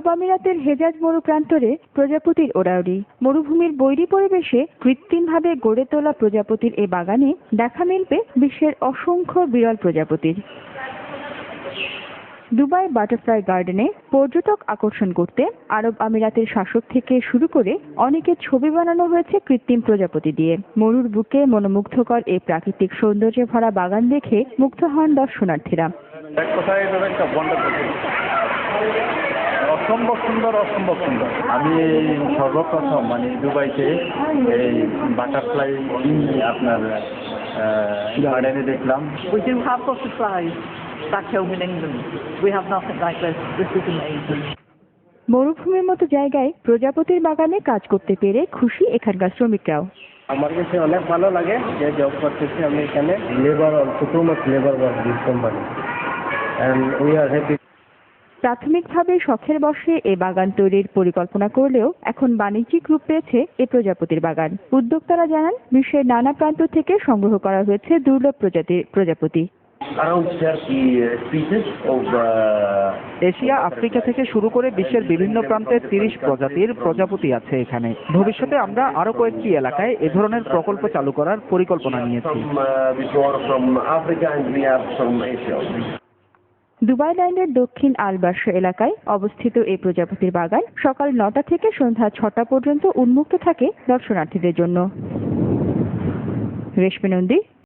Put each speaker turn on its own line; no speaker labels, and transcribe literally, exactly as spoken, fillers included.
আমিরাতের হেজাজ মরু প্রান্তরে প্রজাপতির ওড়াউড়ি। মরুভূমির বৈরী পরিবেশে কৃত্রিমভাবে গড়ে তোলা প্রজাপতির এ বাগানে দেখা মিলবে বিশ্বের অসংখ্য বিরল প্রজাপতির। দুবাই বাটারফ্লাই গার্ডেনে পর্যটক আকর্ষণ করতে আরব আমিরাতের শাসক থেকে শুরু করে অনেকের ছবি বানানো হয়েছে কৃত্রিম প্রজাপতি দিয়ে। মরুর বুকে মনোমুগ্ধকর এই প্রাকৃতিক সৌন্দর্যে ভরা বাগান দেখে মুগ্ধ হন দর্শনার্থীরা।
অসম্ভব সুন্দর, অসম্ভব সুন্দর। আমি সর্বপ্রথম মানে দুবাইতে এই বাটারফ্লাই আপনার গার্ডেনে দেখলাম।
We do have butterflies back home in England. We have nothing like this. This is amazing.
মরুভূমির মতো জায়গায় প্রজাপতির বাগানে কাজ করতে পেরে খুশি এখানকার শ্রমিকরাও।
আমার কাছে অনেক ভালো লাগে যে জব করতেছি আমি এখানে। Labour also too much labour work this company and we are happy.
প্রাথমিকভাবে শখের বশে এ বাগান তৈরির পরিকল্পনা করলেও এখন বাণিজ্যিক রূপ পেয়েছে এ প্রজাপতির বাগান। উদ্যোক্তারা জানান, বিশ্বের নানা প্রান্ত থেকে সংগ্রহ করা হয়েছে দুর্লভ প্রজাতির প্রজাপতি।
এশিয়া, আফ্রিকা থেকে শুরু করে বিশ্বের বিভিন্ন প্রান্তের তিরিশ প্রজাতির প্রজাপতি আছে এখানে। ভবিষ্যতে আমরা আরো কয়েকটি এলাকায় এ ধরনের প্রকল্প চালু করার পরিকল্পনা নিয়েছি।
দুবাই ল্যান্ডের দক্ষিণ আল বার্শ এলাকায় অবস্থিত এই প্রজাপতির বাগান সকাল নটা থেকে সন্ধ্যা ছটা পর্যন্ত উন্মুক্ত থাকে দর্শনার্থীদের জন্য। রেশমী নন্দী,